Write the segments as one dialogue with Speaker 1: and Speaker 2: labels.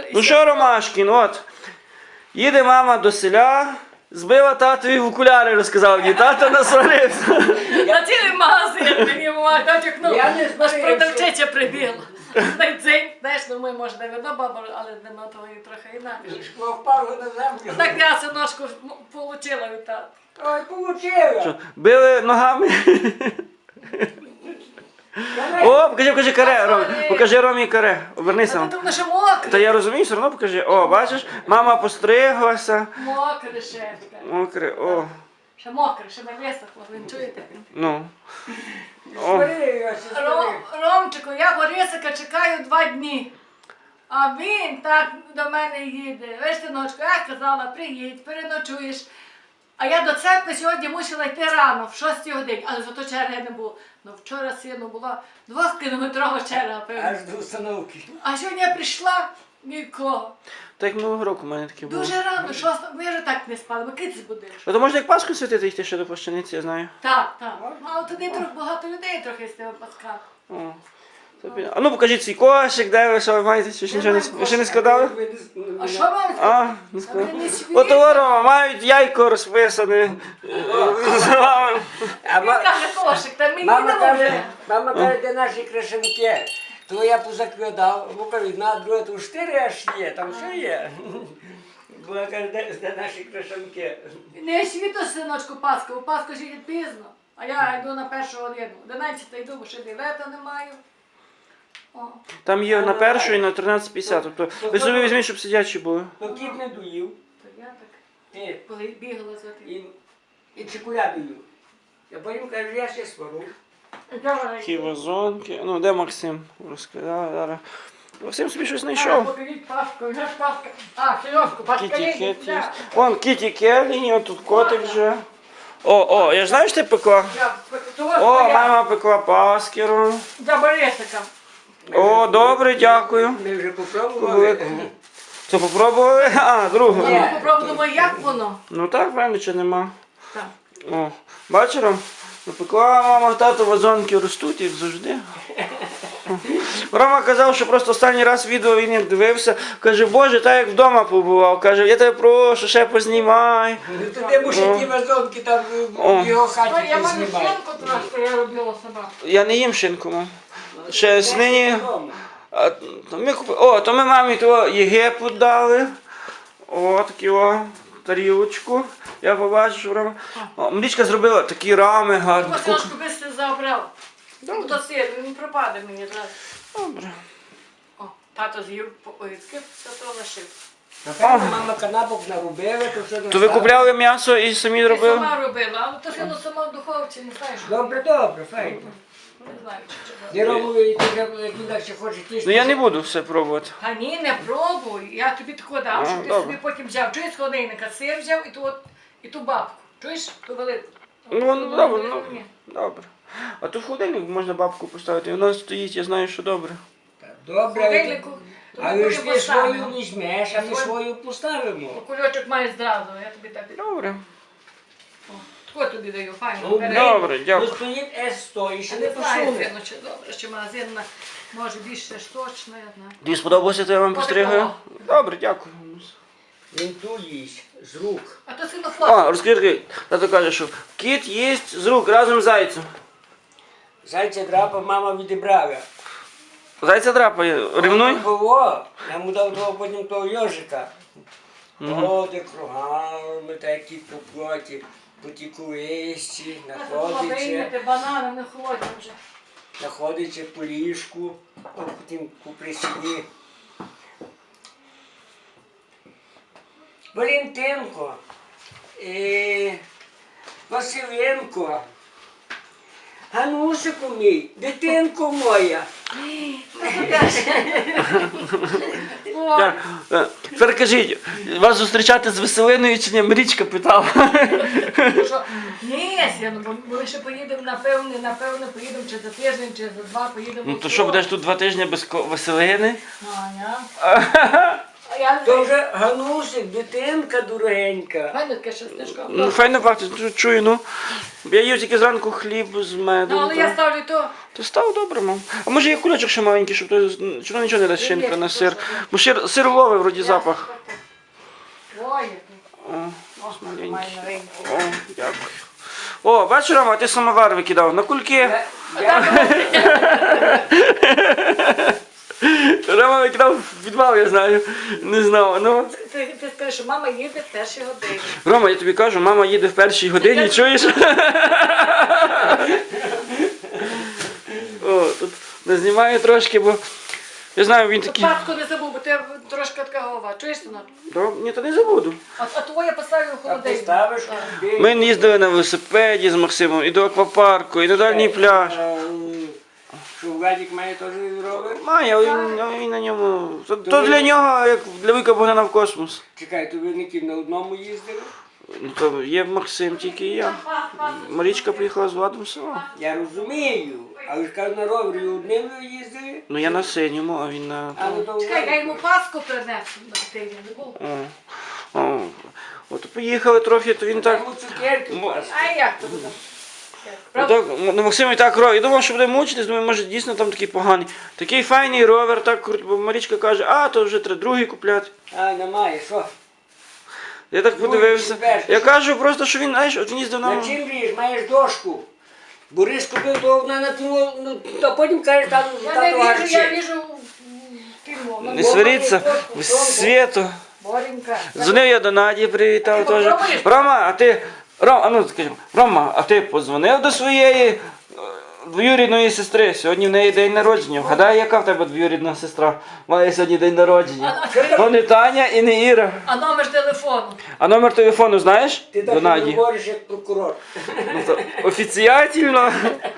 Speaker 1: Ну що, Ромашкін, от. Їде мама до селя, збила татові в окуляри, розказав мені. Тато насварився.
Speaker 2: На цілий магазин мені мама натякнув.
Speaker 3: Я не
Speaker 2: Наш
Speaker 3: знаю,
Speaker 2: продавчиця прибігла. Знаєш, ну ми, може, не видно бабу, але нема того і трохи інакше.
Speaker 3: Шкло впало на землю.
Speaker 2: Так я синочку отримала від тата.
Speaker 3: Ой, получила.
Speaker 1: Били ногами. О, покажи каре, Ром. Покажи Ромі каре. Обернися.
Speaker 2: Та тому що мокре.
Speaker 1: Та я розумію, все одно покажи. О, бачиш, мама постриглася.
Speaker 2: Мокре ще.
Speaker 1: Мокре, о.
Speaker 2: Ще мокре, ще не висохло, ви чуєте?
Speaker 1: Ну. О.
Speaker 3: Сварилася,
Speaker 2: Ромчику, я Борисика чекаю 2 дні. А він так до мене їде. Ви ж, синочку, я казала, приїдь, переночуєш. А я до церкви сьогодні мусила йти рано, в 6 годині, але зато черги не було. Ну вчора сину була 2-кілометрова черга, певно.
Speaker 3: Аж до установки.
Speaker 2: А сьогодні я прийшла, нікого.
Speaker 1: Так як минулого року в мене таке було.
Speaker 2: Дуже рано, 6, ми вже так не спали, ми киць будеш.
Speaker 1: А то можна як Пасху святити йти ще до плащаниці, я знаю.
Speaker 2: Так, так. Але туди трохи багато людей трохи з тими пасками.
Speaker 1: О. А ну покажіть свій кошик, де ви, що ви маєте, чи нічого не, ви ще не складали?
Speaker 2: А що вам?
Speaker 1: А, не складали.
Speaker 2: Ви не свій?
Speaker 1: От Рома, мають яйко розписане.
Speaker 3: А
Speaker 2: Він каже кошик, та мені
Speaker 3: мама
Speaker 2: не
Speaker 3: каже,
Speaker 2: може.
Speaker 3: мама каже, де наші крашенки. То я позакладав, Лука одна, друга, то 4 аж є, там все є. Бо я кажу, де наші крашенки.
Speaker 2: Не світо, синочку, Пасху, у Пасху ще йде пізно. А я йду на 1 годину. 11 йду, бо ще білета не маю. О.
Speaker 1: Там є на першу і на 13.50. Тобто ви собі візьміть, щоб сидячі були.
Speaker 3: То кіт не доїв,
Speaker 2: То я так
Speaker 3: ти,
Speaker 2: коли бігала за тим.
Speaker 3: і чекуля доїв. Я потім кажу, я ще свару.
Speaker 1: Такі вазонки. Ну, де Максим? Розказали зараз. Максим собі щось знайшов.
Speaker 2: Покажіть Пасху, вже ж Пасха. А, Сережку, Пасха
Speaker 1: Кіті Кет є. Вон Кіті Келлі, от тут котик вже. О, я ж знаю, що ти пекла? О, мама пекла паскеру.
Speaker 2: За Борисика.
Speaker 1: О, добре, дякую.
Speaker 3: Ми вже попробували.
Speaker 1: Це попробували? А, другу.
Speaker 3: Ні.
Speaker 2: Я попробую, як воно.
Speaker 1: Ну так, правильно, чи нема.
Speaker 2: Так.
Speaker 1: О, бачиш, Ром? Напекла мама, тато вазонки ростуть, як завжди. Рома казав, що просто останній раз відео він як дивився. Каже, Боже, так як вдома побував. Каже, я тебе прошу, ще познімай.
Speaker 3: Туди може ті вазонки там в його хаті
Speaker 2: Я маю
Speaker 3: знімають.
Speaker 2: шинку трошки, я робила сама.
Speaker 1: Я не їм шинку, мам. Ще з нині. То ми мамі того Єгипет дали. О, таку тарілочку. Я побачив, що Рома. Мрічка зробила такі рами гарні.
Speaker 2: Ось ножку бистро забрав. До сир, він пропаде мені зараз.
Speaker 1: Добре.
Speaker 2: О, тато з'їв огірки, то лишив.
Speaker 3: Напевно, мама канапок наробила, то все
Speaker 1: То ви купляли м'ясо і самі
Speaker 2: Я
Speaker 1: робили?
Speaker 2: сама робила, але то сильно сама в духовці, не знаєш.
Speaker 3: Добре, добре, файно.
Speaker 2: Не знаю, чи
Speaker 3: Не робили, як інакше хоче тісти.
Speaker 1: Ну я не буду все пробувати.
Speaker 2: Та ні, не пробуй. Я тобі тако дам, щоб ти
Speaker 1: добре.
Speaker 2: собі потім взяв. Чуєш, з холодильника сир взяв і ту бабку. Чуєш, ту велику.
Speaker 1: Ну, добре, ну.
Speaker 2: Ні.
Speaker 1: Добре. А то в холодильник можна бабку поставити, вона стоїть, я знаю, що добре.
Speaker 2: В
Speaker 3: Добре,
Speaker 2: холодильнику.
Speaker 3: а ви ж ти свою візьмеш, а ми свою поставимо.
Speaker 2: Кульочок має зразу, я тобі так.
Speaker 1: Добре.
Speaker 2: Тако тобі даю, файно.
Speaker 3: Ну,
Speaker 2: бери.
Speaker 1: Добре,
Speaker 3: Ну
Speaker 1: дякую.
Speaker 3: стоїть С100 і ще
Speaker 2: Я
Speaker 3: не
Speaker 2: не знаю,
Speaker 3: посуне.
Speaker 2: сину, чи добре, чи магазинна, може більше штучна, я знаю.
Speaker 1: Тобі сподобалося, то я вам постригаю? Добре, дякую.
Speaker 3: Він ту їсть з рук.
Speaker 2: А то сильно хлопець.
Speaker 1: А, розкажи, тато каже, що кіт їсть з рук разом з зайцем.
Speaker 3: Зайця драпа мама відібрала.
Speaker 1: Зайця драпає, ревнуй?
Speaker 3: Було, я йому дав того потім того йожика. Ходить кругами, такі по плоті, по ті кулисці,
Speaker 2: Прийняти банани, не холодні вже.
Speaker 3: знаходиться по ліжку, а потім по присіді. Валентинко, Василенко, Ганусику мій, дитинко моя.
Speaker 1: Тепер кажіть, вас зустрічати з Веселиною чи ні? Мрічка питала.
Speaker 2: Що? Ні, сину, бо ми ще поїдемо, напевно, поїдемо чи за тиждень, чи за 2 поїдемо.
Speaker 1: Ну то що, будеш тут 2 тижні без Веселини?
Speaker 2: А Я
Speaker 3: То вже Ганусик, дитинка дуренька.
Speaker 2: Файно таке щастишко.
Speaker 1: Ну, файно пахне, чую, ну. Я їв тільки зранку хліб з медом.
Speaker 2: Ну, але я ставлю то.
Speaker 1: То став добре, мам. А може є кульочок ще маленький, щоб то, чи воно нічого не дасть шинка на сир. Бо сир ловить вроді запах.
Speaker 2: Ой,
Speaker 1: О, маленький.
Speaker 2: має новенький.
Speaker 1: О, дякую. О, бачиш, Рома, ти самовар викидав. На кульки. Рома викидав в підвал, я знаю. Не знав. Ну.
Speaker 2: Ти скажеш, що мама їде в першій годині.
Speaker 1: Рома, я тобі кажу, мама їде в першій годині, чуєш? О, тут не знімаю трошки, бо я знаю, він такий.
Speaker 2: Паску не забув, бо ти трошки така голова. Чуєш, синок?
Speaker 1: Ні, то не забуду.
Speaker 2: А твоє поставлю в
Speaker 3: А
Speaker 2: холодильник.
Speaker 3: поставиш
Speaker 2: Так.
Speaker 3: куди?
Speaker 1: Ми їздили на велосипеді з Максимом і до аквапарку, і на дальній пляж.
Speaker 3: Що Владик має теж ровер?
Speaker 1: Має, але він на ньому. То для нього, як для Вика Богдана в космос.
Speaker 3: Чекай, то ви не ті на одному їздили?
Speaker 1: Ну, то є Максим, тільки і я. Марічка приїхала з Владом сама.
Speaker 3: Я розумію, але ж кажу, на ровері одним ви їздили?
Speaker 1: Ну я на синьому, а він на.
Speaker 3: А ну то
Speaker 2: Чекай, я йому паску принесу на тиждень.
Speaker 1: О. От поїхали трохи, то він так.
Speaker 3: Йому цукерки пасти.
Speaker 2: А як то буде?
Speaker 1: Так, ну Максим і так ровер. Я думав, що буде мучитись, думаю, може дійсно там такий поганий. Такий файний ровер, так круто, бо Марічка каже, а то вже треба другий купляти.
Speaker 3: А, немає, що?
Speaker 1: Я так подивився.
Speaker 3: четвертий.
Speaker 1: Я кажу просто, що він, знаєш, от він їздив
Speaker 3: На
Speaker 1: на.
Speaker 3: чим ріж? Маєш дошку. Борис купив, то вона натягнула, ну, а потім каже, там
Speaker 2: Я не
Speaker 3: тато
Speaker 2: віжу, я
Speaker 3: гарчить.
Speaker 2: віжу фільму.
Speaker 1: Не сваріться, в світу.
Speaker 2: Боренька.
Speaker 1: Дзвонив я до Наді, привітав
Speaker 2: Ти
Speaker 1: теж.
Speaker 2: попробуєш?
Speaker 1: Рома, а ти. А ну скажімо, Рома, а ти подзвонив до своєї двоюрідної сестри? Сьогодні в неї день народження. Вгадай, яка в тебе двоюрідна сестра? Має сьогодні день народження. То не Таня і не Іра.
Speaker 2: А номер телефону?
Speaker 1: А номер телефону знаєш?
Speaker 3: Ти
Speaker 1: До
Speaker 3: так
Speaker 1: Наді.
Speaker 3: говориш, як прокурор.
Speaker 1: Ну, то офіціально.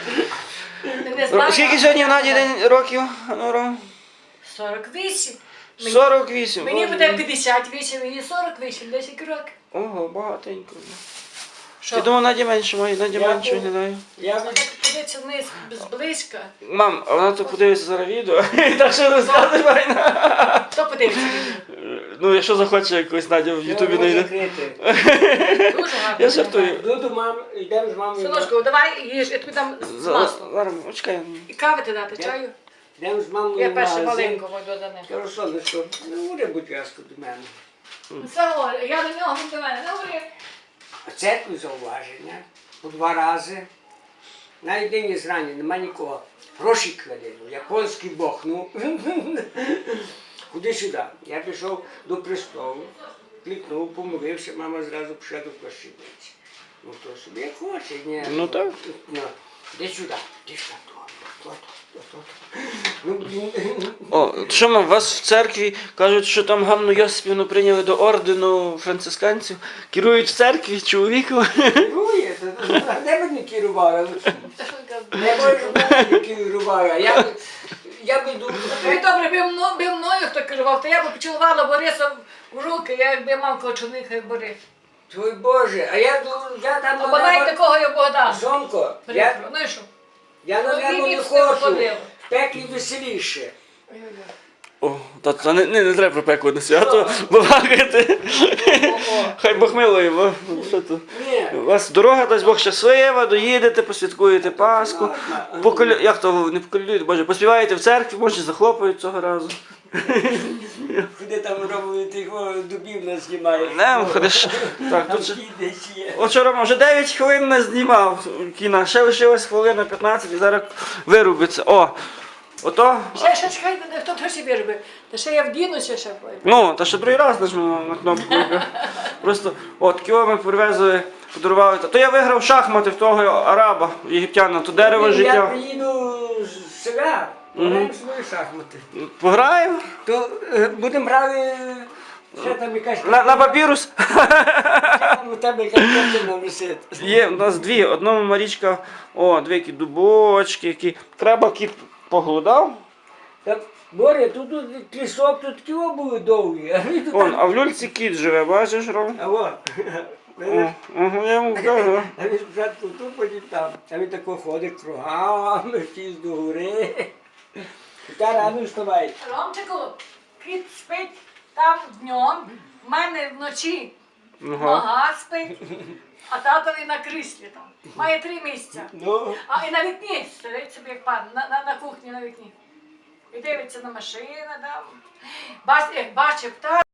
Speaker 2: Не знаю.
Speaker 1: Скільки сьогодні в Наді день років? Ну, Ром?
Speaker 2: 48.
Speaker 1: 48.
Speaker 2: Мені
Speaker 1: Боже
Speaker 2: буде
Speaker 1: мій.
Speaker 2: 58, мені 48, 10 років.
Speaker 1: Ого, багатенько.
Speaker 2: Що?
Speaker 1: Я думав, Наді менше має, Наді
Speaker 3: Я
Speaker 1: менше
Speaker 3: був-
Speaker 1: виглядає.
Speaker 3: Я
Speaker 2: Так подивиться вниз зблизька.
Speaker 1: Мам, а вона то подивиться зараз відео, так що розказує файно.
Speaker 2: Хто подивиться відео?
Speaker 1: Ну, якщо захоче якось Надя в Ютубі знайде.
Speaker 2: Дуже гарно.
Speaker 1: Я жартую.
Speaker 3: Дуду, мам, йдемо з мамою.
Speaker 2: Синочку, давай їж, я тобі дам з маслом.
Speaker 1: Зараз, чекай.
Speaker 2: І кави ти дати, чаю?
Speaker 3: Йдемо з мамою
Speaker 2: Я
Speaker 3: в
Speaker 2: перше
Speaker 3: магазин.
Speaker 2: маленько мойду до них.
Speaker 3: Кажу, сонечко, не говори, будь ласка, до мене.
Speaker 2: Це говорю, я до нього, він до мене. Не говори.
Speaker 3: В церкві зауваження по 2 рази. Навіть день зрання, нема нікого. Гроші кладе, японський бог, ну. Куди сюди? Я пішов до престолу, клікнув, помолився, мама зразу пішла до плащаниці. Ну то собі як хоче, ні.
Speaker 1: Ну так.
Speaker 3: Ну, іди сюди, іди сюди, то. Ну, блін.
Speaker 1: О, що мам, вас в церкві кажуть, що там Ганну Йосипівну прийняли до ордену францисканців. Керують в церкві чоловіком.
Speaker 3: Керує, де б не керувала? Не можу не керувала. Я би думав,
Speaker 2: Тобі добре, би мною хто керував, то я б поцілувала Бориса в руки, я якби мав кочуника, як Борис.
Speaker 3: твой Боже, а я там
Speaker 2: А бодай такого я Богдан.
Speaker 3: Сонко,
Speaker 2: Ну і що?
Speaker 3: я на
Speaker 2: Ну,
Speaker 3: небо
Speaker 2: і
Speaker 3: не
Speaker 2: все виходило.
Speaker 3: хочу. В пеклі веселіше.
Speaker 1: О, та не треба про пекло на свято балакати. Хай Бог милує, бо що тут?
Speaker 3: Ні.
Speaker 1: У вас дорога, дасть Бог щаслива, доїдете, посвяткуєте Пасху. Як то не поколюєте, Боже, поспіваєте в церкві, може захлопають цього разу.
Speaker 3: Куди там робили тих дубів нас знімає?
Speaker 1: Не, ходиш. Так,
Speaker 3: Там
Speaker 1: тут же.
Speaker 3: десь є.
Speaker 1: От що, Рома, вже 9 хвилин не знімав кіна, ще лишилось хвилина 15 і зараз вирубиться. О, ото.
Speaker 2: Ще чекай, хто трохи виробив. Та ще я вдінуся ще.
Speaker 1: Ну, та ще другий раз нажмемо на кнопку. Просто, от, кіо ми привезли, подарували. То я виграв шахмати в того араба, єгиптяна, то дерево
Speaker 3: Я
Speaker 1: життя.
Speaker 3: приїду з села, граємо свої шахмати.
Speaker 1: Пограємо?
Speaker 3: То будемо грати, ще там якась
Speaker 1: На папірус?
Speaker 3: у тебе якась картина висить.
Speaker 1: Є, у нас дві. Одному Марічка, дві які дубочки, які. Треба кіт поглудав.
Speaker 3: Та, Боря, тут лісок, тут такі були довгі, а ви тут
Speaker 1: Вон,
Speaker 3: там...
Speaker 1: а в люльці кіт живе, бачиш, Ром?
Speaker 3: А от,
Speaker 1: Я йому кажу.
Speaker 3: а він спочатку тут, потім там. А він тако ходить кругами, втіз до гори. Та рано вставай.
Speaker 2: Ромчику, кіт спить там там днем, в мене вночі
Speaker 1: Ага.
Speaker 2: нога спить, а татові на кріслі там. Має 3 місця.
Speaker 3: Ну,
Speaker 2: А і на вікні сидить собі як пан, на кухні на вікні. І дивиться на машини там. Як бачив,